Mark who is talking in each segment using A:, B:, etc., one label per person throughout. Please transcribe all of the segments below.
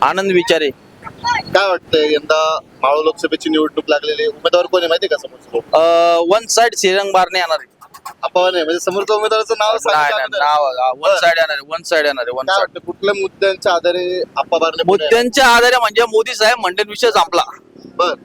A: आनंद विचारे.
B: काय वाटतंय यंदा मावळ लोकसभेची निवडणूक लागलेली उमेदवार कोण आहे माहिती का समोरचा?
A: वन साइड श्रीरंग बारणे येणार आहे.
B: आपण नाही म्हणजे समोरच्या उमेदवाराचं नाव
A: नाही
B: सांगायचं
A: नाही,
B: अगोदर.
A: नाव वन साइड येणार आहे. वन साइड येणार आहे. वन
B: काय
A: साइड.
B: वाटतं कुठल्या मुद्द्यांच्या आधारे आप्पा बारणे पुढे येणार?
A: मुद्द्यांच्या आधारे म्हणजे मोदी साहेब मंडळ विषय संपला.
B: बर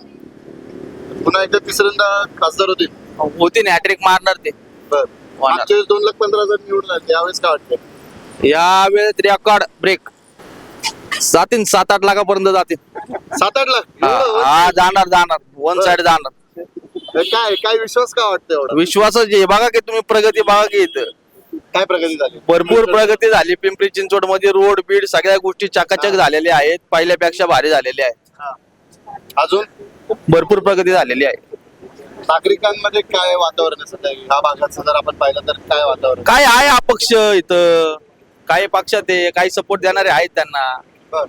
B: पुन्हा एकदा तिसऱ्यांदा खासदार होतील.
A: होती हॅट्रिक मारणार ते.
B: बर
A: होणार.
B: मागच्या वेळेस 2,15,000 निवडून आले यावेळेस काय वाटतं?
A: यावेळेस रेकॉर्ड ब्रेक जातील. 7-8 लाखापर्यंत जातील.
B: 7-8 लाख एवढं?
A: हा जाणार जाणार. वन साइड जाणार.
B: काय काय विश्वास काय वाटतं एवढा?
A: विश्वासच आहे. बघा की तुम्ही प्रगती बघा की इथं
B: काय प्रगती झाली?
A: भरपूर प्रगती झाली. पिंपरी चिंचवड मध्ये रोड बीड सगळ्या गोष्टी चकाचक झालेल्या आहेत. पहिल्यापेक्षा भारी झालेल्या आहेत.
B: हा. अजून
A: भरपूर प्रगती झालेली आहे.
B: नागरिकांमध्ये काय वातावरण आहे सध्या ह्या भागाचं जर आपण पाहिलं तर काय वातावरण?
A: काय आहे अपक्ष इथं काही पक्षात आहे काही सपोर्ट देणारे आहेत त्यांना
B: बर.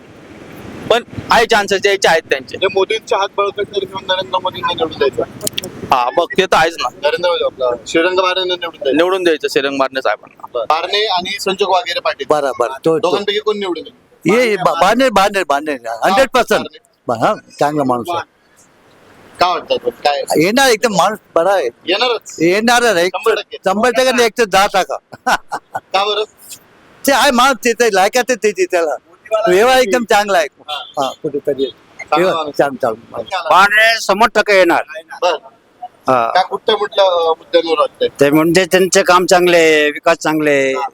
A: पण आहे चान्सेस यायचे आहेत त्यांचे.
B: म्हणजे मोदींच्या हात बळकट घेऊन नरेंद्र मोदींना निवडून द्यायचं.
A: हा बघ ते तर आहेच ना.
B: नरेंद्र मोदी आपला श्रीरंग बारणे निवडून द्यायचं.
A: निवडून द्यायचं श्रीरंग बारणे साहेबांना.
B: बारणे आणि संजोग वगैरे पाटील
C: बरोबर तो
B: दोघांपैकी कोण निवडून येईल?
C: ये बांधेल बांधेल बांधेल 100%. हा चांगला माणूस आहे.
B: काय वाटतं तो? काय
C: येणार एकदम माणूस बरा आहे.
B: येणारच
C: येणार आहे 100% नाही 10%.
B: का बरं?
C: ते आहे माणूस ते लायकात आहे त्याची त्याला व्यवहार एकदम चांगला आहे. हा कुठेतरी चांगला
D: बारणे 100% येणार.
B: बर काय कुठल्या कुठल्या मुद्द्यांवर वाटतंय?
D: ते म्हणजे त्यांचे काम चांगले विकास चांगले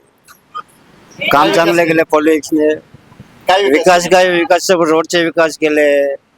D: काम चांगले केले पॉलिटिक्सने.
B: काय
D: विकास रोडचे विकास केले.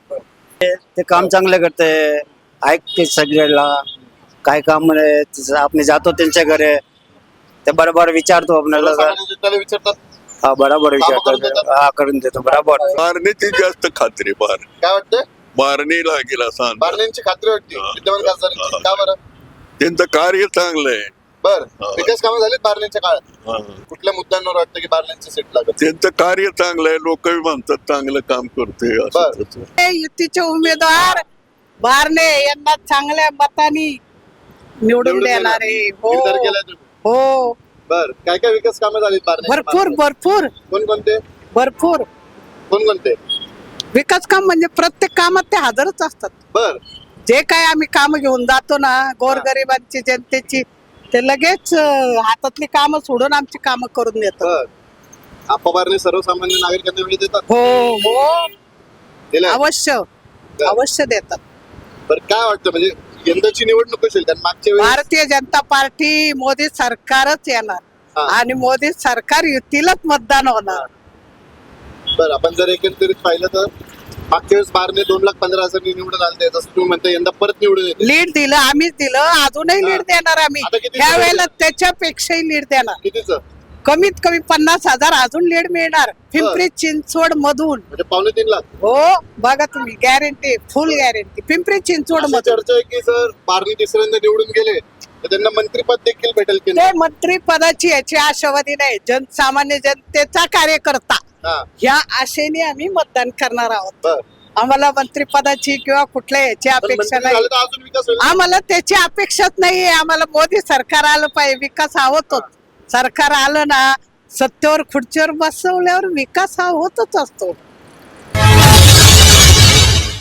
D: ते काम चांगले करते ऐकते सगळ्याला काय काम म्हणे आपण जातो त्यांच्या घरी ते बरोबर विचारतो आपल्याला.
B: त्याला विचारतात
D: हा बरोबर
B: कामं करून
D: विचारतो.
B: देतात?
D: हा करून देतो बरोबर.
E: बारणेची जास्त खात्री
B: काय वाटतंय?
E: बारणीला गेला सांग
B: बारणेंची खात्री वाटते विद्यमान खासदारांची. का बरं?
E: त्यांचं कार्य चांगलं आहे.
B: बर विकास कामं झालीत बारणेंच्या काळात.
E: हा.
B: कुठल्या मुद्द्यांवर वाटतं की बारणेंची सीट लागत?
E: त्यांचं कार्य चांगलं आहे. लोक म्हणतात चांगलं काम करतोय असं
B: बरं.
E: तसं.
F: युतीचे उमेदवार बारणे यांना चांगल्या मतानी निवडून देणार आहे.
B: निर्धार
F: हो
B: केलाय तुम्ही?
F: हो
B: बर काय काय विकास कामं झालीत बारणेंच्या
F: भरपूर
B: मार्फत?
F: भरपूर
B: कोणकोणते
F: भरपूर
B: कोणकोणते?
F: विकास काम म्हणजे प्रत्येक कामात ते हजरच असतात.
B: बर
F: जे काय आम्ही काम घेऊन जातो ना गोरगरिबांची जनतेची ते लगेच हातातली कामं सोडून आमची कामं करून देतात.
B: बर आप्पा बारणे सर्वसामान्य नागरिकांना वेळ देतात.
F: हो हो
B: दिलाय?
F: अवश्य अवश्य देतात.
B: बरं काय वाटतं म्हणजे यंदाची निवडणूक कशी होईल? कारण मागच्या वेळेस
F: भारतीय जनता पार्टी मोदी सरकारच येणार
B: हा.
F: आणि मोदी सरकार युतीलाच मतदान होणार.
B: बरं आपण जर एकंदरीत पाहिलं तर मागच्या वेळेस बारणे 2,15,000 निवडून आले जसं तुम्ही म्हणता यंदा परत निवडून येते.
F: लीड दिलं आम्हीच दिलं अजूनही
B: हा.
F: लीड देणार आम्ही.
B: आता किती
F: ह्या
B: लीड
F: वेळेला त्याच्यापेक्षाही लीड देणार.
B: कितीच
F: कमीत कमी 50,000 अजून लीड मिळणार पिंपरी चिंचवड मधून.
B: म्हणजे 2.5 लाख.
F: हो बघा तुम्ही guarantee full guarantee Pimpri Chinchwad
B: अशी
F: मधून.
B: चर्चा आहे की जर बारणे तिसऱ्यांदा निवडून गेले तर त्यांना मंत्रीपद देखील भेटेल की
F: ते मंत्री पदाची याची आशावादी नाही सामान्य जनतेचा कार्यकर्ता
B: हा
F: या आशेने आम्ही मतदान करणार आहोत.
B: बर
F: आम्हाला मंत्रिपदाची किंवा कुठल्या याची
B: पण
F: अपेक्षा
B: मंत्री
F: नाही.
B: झाले तर अजून विकास होईल.
F: आम्हाला त्याची अपेक्षाच नाहीये. आम्हाला मोदी सरकार आलं पाहिजे. विकास हा होतोच. सरकार आलं ना सत्तेवर खुर्चीवर बसवल्यावर विकास हा होतच असतो.